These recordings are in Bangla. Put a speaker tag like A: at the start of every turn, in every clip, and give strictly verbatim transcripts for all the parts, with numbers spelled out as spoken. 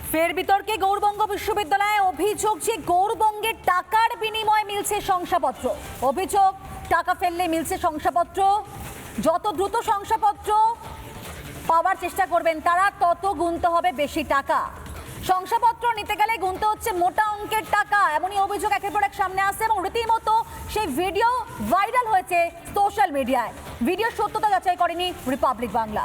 A: ফের বিতর্কে গৌড়বঙ্গ বিশ্ববিদ্যালয়ে অভিযোগ যে গৌড়বঙ্গের টাকার বিনিময়ে মিলছে শংসাপত্র। অভিযোগ টাকা ফেললে মিলছে শংসাপত্র। যত দ্রুত শংসাপত্র পাওয়ার চেষ্টা করবেন তারা তত গুনতে হবে বেশি টাকা। শংসাপত্র নিতে গেলে গুনতে হচ্ছে মোটা অঙ্কের টাকা, এমনই অভিযোগ একের পর এক সামনে আসছে এবং রীতিমতো সেই ভিডিও ভাইরাল হয়েছে সোশ্যাল মিডিয়ায়। ভিডিও সত্যতা যাচাই করেনি রিপাবলিক বাংলা।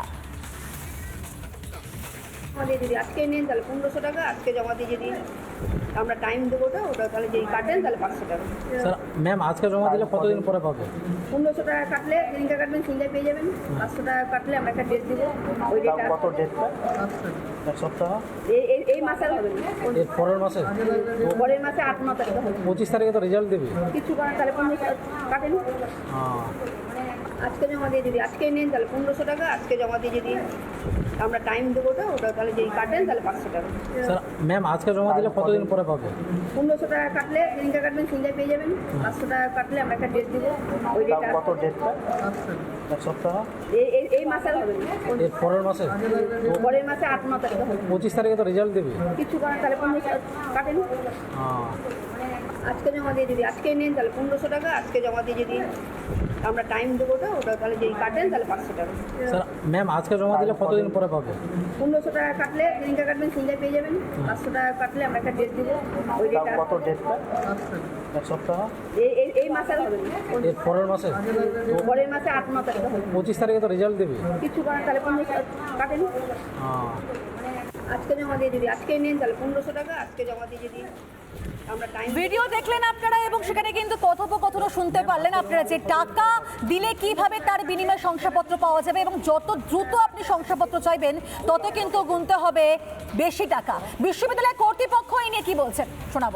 B: আমাদের যদি আজকে নেন তাহলে পনেরোশো টাকা, আজকে জমা দিয়ে যদি আমরা টাইম দেবো ওটা ওটা তাহলে যদি কাটেন তাহলে পাঁচশো টাকা।
C: স্যার ম্যাম আজকে জমা দিলে কতদিন পরে পাবে?
B: পনেরোশো টাকা কাটলে যেদিনকে কাটবেন সেদিনকে পেয়ে যাবেন। পাঁচশো টাকা কাটলে আমরা একটা ডেট দেবো, ওই ডেটটা
C: কত ডেটটা? এক সপ্তাহ?
B: এই এই এই মাসে আর হবে না,
C: এর পরের মাসে?
B: পরের মাসে আট ন তারিখে হবে।
C: পঁচিশ তারিখে তো রেজাল্ট দেবে।
B: কিছু করেন তাহলে পনেরোশো কাটেন।
C: হ্যাঁ
B: আজকে জমা দিয়ে যদি আজকে নেন তাহলে পনেরোশো টাকা, আজকে জমা দিয়ে যদি আমরা টাইম দেবো ওটা ওটা তাহলে যদি কাটেন তাহলে পাঁচশো টাকা।
C: স্যার ম্যাম আজকে জমা দিলে কতদিন পরে পাবে?
B: পনেরোশো টাকা কাটলে যেদিনকে কাটবেন সেদিনকে পেয়ে যাবেন। পাঁচশো টাকা কাটলে আমরা একটা ডেট দেবো, ওই ডেটটা
C: কত ডেটটা? এক সপ্তাহ?
B: এই এই এই মাসে আর হবে না,
C: এর পরের মাসে?
B: পরের মাসে আট ন তারিখে হবে।
C: পঁচিশ তারিখে তো রেজাল্ট দেবে।
B: কিছু করেন তাহলে পনেরোশো কাটেন।
C: হ্যাঁ
B: আজকে জমা দিয়ে যদি আজকে নেন তাহলে পনেরোশো টাকা, আজকে জমা দিয়ে যদি আমরা টাইম দেবো ওটা ওটা তাহলে যদি কাটেন তাহলে পাঁচশো টাকা।
C: স্যার ম্যাম আজকে জমা দিলে কতদিন পরে পাবে?
B: পনেরোশো টাকা কাটলে যেদিনকে কাটবেন সেদিনকে পেয়ে যাবেন। পাঁচশো টাকা কাটলে আমরা একটা ডেট দেবো, ওই ডেটটা
C: কত ডেটটা? এক সপ্তাহ?
B: এই এই এই মাসে আর হবে না,
C: এর পরের মাসে?
B: পরের মাসে আট ন তারিখে হবে।
C: পঁচিশ তারিখে তো রেজাল্ট দেবে।
B: কিছু করেন তাহলে পনেরোশো কাটেন।
C: হ্যাঁ
B: আজকে জমা দিয়ে যদি আজকে নেন তাহলে পনেরোশো টাকা, আজকে জমা দিয়ে যদি আমরা টাইম
A: ভিডিও দেখলেন আপনারা এবং সেখানে কিন্তু কথোপকথনও শুনতে পারলেন আপনারা যে টাকা দিলে কিভাবে তার বিনিময়ে শংসাপত্র পাওয়া যাবে এবং যত দ্রুত আপনি শংসাপত্র চাইবেন তত কিন্তু গুনতে হবে বেশি টাকা। বিশ্ববিদ্যালয় কর্তৃপক্ষ এই নিয়ে কি বলছেন শোনাবো।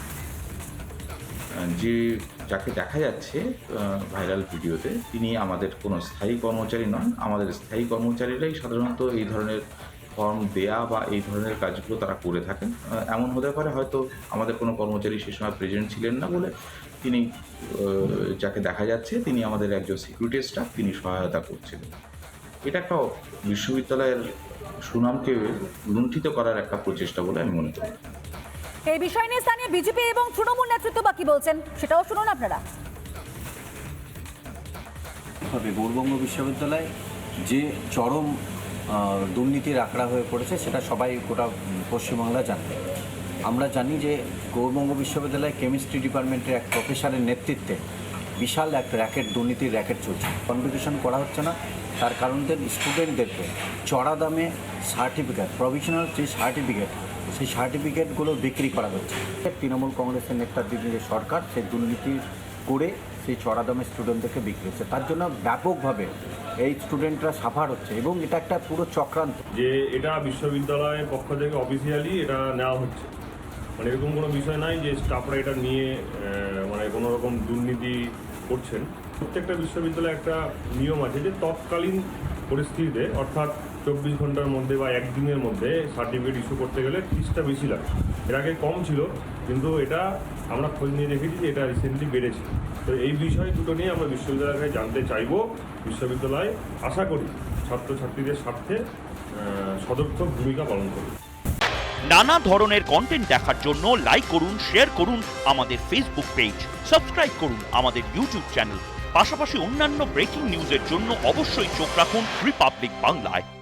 D: যে যাকে দেখা যাচ্ছে ভাইরাল ভিডিওতে, তিনি আমাদের কোনো স্থায়ী কর্মচারী নন। আমাদের স্থায়ী কর্মচারীরাই সাধারণত এই ধরনের ফর্ম দেয়া বা এই ধরনের কাজগুলো তারা করে থাকেন। এমন হতে পারে হয়তো আমাদের কোনো কর্মচারী সে সময় প্রেজেন্ট ছিলেন না বলে তিনি, যাকে দেখা যাচ্ছে তিনি আমাদের একজন সিকিউরিটি স্টাফ, তিনি সহায়তা করছিলেন। এটা একটা বিশ্ববিদ্যালয়ের সুনামকে লুণ্ঠিত করার একটা প্রচেষ্টা বলে আমি মনে করি।
A: এই বিষয় নিয়ে স্থানীয় বিজেপি এবং তৃণমূল নেতৃত্ব বা কি বলছেন সেটাও শুনুন আপনারা।
E: গৌড়বঙ্গ বিশ্ববিদ্যালয় যে চরম দুর্নীতির আখড়া হয়ে পড়েছে সেটা সবাই গোটা পশ্চিমবাংলা জানে। আমরা জানি যে গৌড়বঙ্গ বিশ্ববিদ্যালয় কেমিস্ট্রি ডিপার্টমেন্টের এক প্রফেসরের নেতৃত্বে বিশাল এক র্যাকেট, দুর্নীতির র্যাকেট চলছে। কনভোকেশন করা হচ্ছে না, তার কারণদের স্টুডেন্টদেরকে চড়া দামে সার্টিফিকেট, প্রভিশনাল যে সার্টিফিকেট, সেই সার্টিফিকেটগুলো বিক্রি করা হচ্ছে। তৃণমূল কংগ্রেসের নেতৃত্বাধীন যে সরকার সেই দুর্নীতি করে সেই চড়া দামে স্টুডেন্টদেরকে বিক্রি হচ্ছে, তার জন্য ব্যাপকভাবে এই স্টুডেন্টরা সাফার হচ্ছে এবং এটা একটা পুরো চক্রান্ত।
F: যে এটা বিশ্ববিদ্যালয়ের পক্ষ থেকে অফিসিয়ালি এটা নেওয়া হচ্ছে, মানে এরকম কোনো বিষয় নাই যে স্টাফরা এটা নিয়ে মানে কোনো রকম দুর্নীতি করছেন। প্রত্যেকটা বিশ্ববিদ্যালয়ে একটা নিয়ম আছে যে তৎকালীন পরিস্থিতিতে, অর্থাৎ চব্বিশ ঘন্টার মধ্যে বা একদিনের মধ্যে সার্টিফিকেট ইস্যু করতে গেলে ফিসটা বেশি লাগে। এর আগে কম ছিল, কিন্তু এটা আমরা খোঁজ নিয়ে দেখেছি যে এটা রিসেন্টলি বেড়েছে। তো এই বিষয় দুটো নিয়ে আমরা বিশ্ববিদ্যালয়কে জানতে চাইব। বিশ্ববিদ্যালয় আশা করি ছাত্রছাত্রীদের স্বার্থে সদর্থক ভূমিকা পালন করবে।
G: নানা ধরনের কন্টেন্ট দেখার জন্য লাইক করুন, শেয়ার করুন আমাদের ফেসবুক পেজ, সাবস্ক্রাইব করুন আমাদের ইউটিউব চ্যানেল। পাশাপাশি অন্যান্য ব্রেকিং নিউজের জন্য অবশ্যই চোখ রাখুন রিপাবলিক বাংলায়।